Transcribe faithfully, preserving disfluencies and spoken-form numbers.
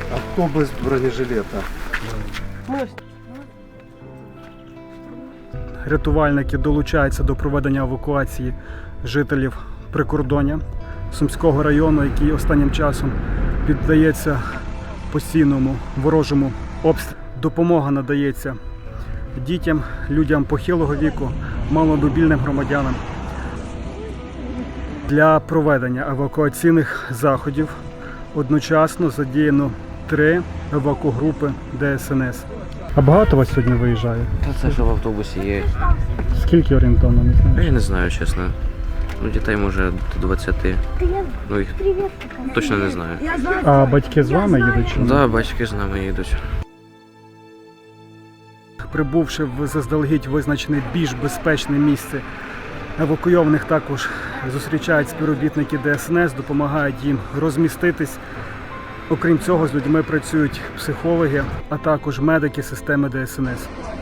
А хто без бронежилета? Рятувальники долучаються до проведення евакуації жителів прикордоння Сумського району, який останнім часом піддається постійному ворожому обстрілу. Допомога надається дітям, людям похилого віку, маломобільним громадянам. Для проведення евакуаційних заходів одночасно задіяно три евакугрупи Де Ес Ен Ес. А багато вас сьогодні виїжджає? Та це ж в автобусі є. Скільки орієнтовно, не знаю? Я не знаю, чесно. Ну, дітей може до двадцяти. Ну, їх точно не знаю. А батьки з вами їдуть? чи ні? Так, да, батьки з нами їдуть. Прибувши в заздалегідь визначене більш безпечне місце, евакуйованих також зустрічають співробітники Де Ес Ен Ес, допомагають їм розміститись. Окрім цього, з людьми працюють психологи, а також медики системи Де Ес Ен Ес.